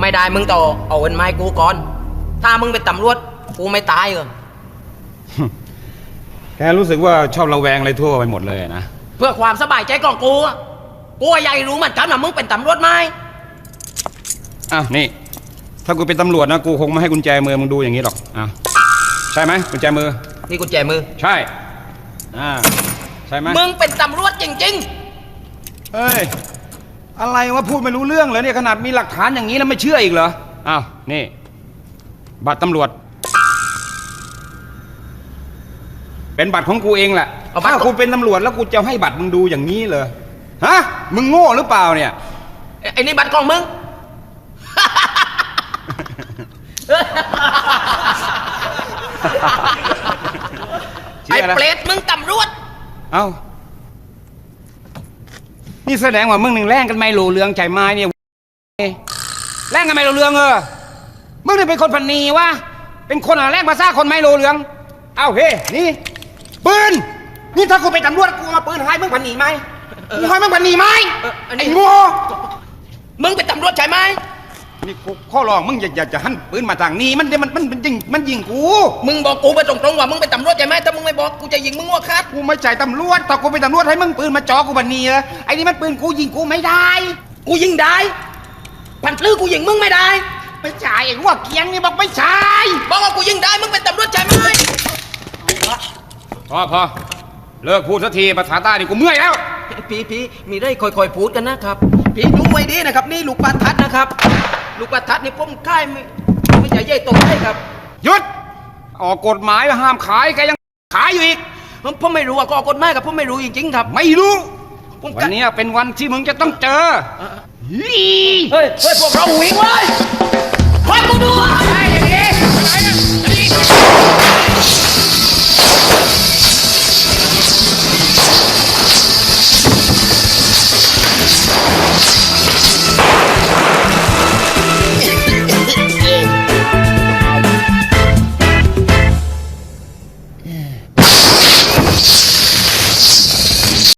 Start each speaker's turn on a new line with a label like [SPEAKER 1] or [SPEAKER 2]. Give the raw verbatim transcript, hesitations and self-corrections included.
[SPEAKER 1] ไม่ได้มึงต่อเอาเงินมาให้กูก่อนถ้ามึงเป็นตำรวจกูไม่ตายเหรอ
[SPEAKER 2] แกรู้สึกว่าชอบระแวงอะไรทั่วไปหมดเลยนะ
[SPEAKER 1] เพื่อความสบายใจของกูอะกูอยากรู้เหมือนกันว่ามึงเป็นตำรวจไหม
[SPEAKER 2] อ้าวนี่ถ้ากูเป็นตำรวจนะกูคงไม่ให้กุญแจมือมึงดูอย่างนี้หรอกอ้าวใช่ไหมกุญแจมือ
[SPEAKER 1] นี่กุญแจมือ
[SPEAKER 2] ใช่อ่าใช่ไหม
[SPEAKER 1] มึงเป็นตำรวจจริง
[SPEAKER 2] ๆเฮ้ยอะไรวะพูดไม่รู้เรื่องเลยเนี่ยขนาดมีหลักฐานอย่างนี้แล้วไม่เชื่ออีกเหรออ้าวนี่บัตรตำรวจเป็นบัตรของกูเองแหละถ้ากูเป็นตำรวจแล้วกูจะให้บัตรมึงดูอย่างนี้เลยฮะมึงโง่หรือเปล่าเนี่ย
[SPEAKER 1] ไอ้นี่บัตรของมึง ไอ้เปรตมึงตำรวจ
[SPEAKER 2] เอ้านี่แสดงว่ามึงหนึ่งแรงกันไม่รู้เรื่องใจไม้เนี่ยแรงกันไม่รู้เรื่องเออมึงนี่เป็นคนพันนีวะเป็นคนอะไรแรงภาษาคนไม่รู้เรื่องเอ้าเฮ้นี่ปืนนี่ถ้ากูไปตำรวจกูมาปืนให้มึงพันนีไหมมึงให้มึงพันนีไหมไอ้โง่
[SPEAKER 1] มึงเป็นตำรวจใช่ไหม
[SPEAKER 2] นี่กูข้อร้องมึงอย่าอย่าจะหันปืนมาทางนี้มันมันมันมันยิงมันยิงกู
[SPEAKER 1] มึงบอกกูไปตรงๆว่ามึงเป็นตำรวจใช่ไหมถ้ามึงไม่บอกกูจะยิงมึงหัวขาด
[SPEAKER 2] กูไม่ใช่ตำรวจถ้ากูเป็นตำรวจให้มึงปืนมาจ่อกูพันนีเหรอไอ้นี่มันปืนกูยิงกูไม่ได้
[SPEAKER 1] กูยิงได้พันปลื้อกูยิงมึงไม่ได้
[SPEAKER 2] ไม่ใช่ไอ้หัวเกียงนี่บอกไม่ใช่
[SPEAKER 1] บอกว่ากูยิงได้มึงเป็นตำรวจใช่ไหม
[SPEAKER 2] พอพอเลิกพูดสักทีภาษาใต้ดิกูเมื่อยแล้ว
[SPEAKER 1] พี่พี่มีได้ค่อยๆพูดกันนะครับพี่ดูไว้ดีนะครับนี่ลูกประทัดนะครับลูกประทัดนี่ผมค่ายไม่ไม่ใช่ใหญ่โตได้ครับ
[SPEAKER 2] หยุดออกกฎหมายห้ามขายแกยังขายอยู่อีก
[SPEAKER 1] ผมผมไม่รู้ว่าก็ออกกฎหมายกับผมไม่รู้จริงๆครับ
[SPEAKER 2] ไม่รู้วันนี้เป็นวันที่มึงจะต้องเจอ
[SPEAKER 1] เฮ้ยเฮ้ยพวกเราวิ่งเลย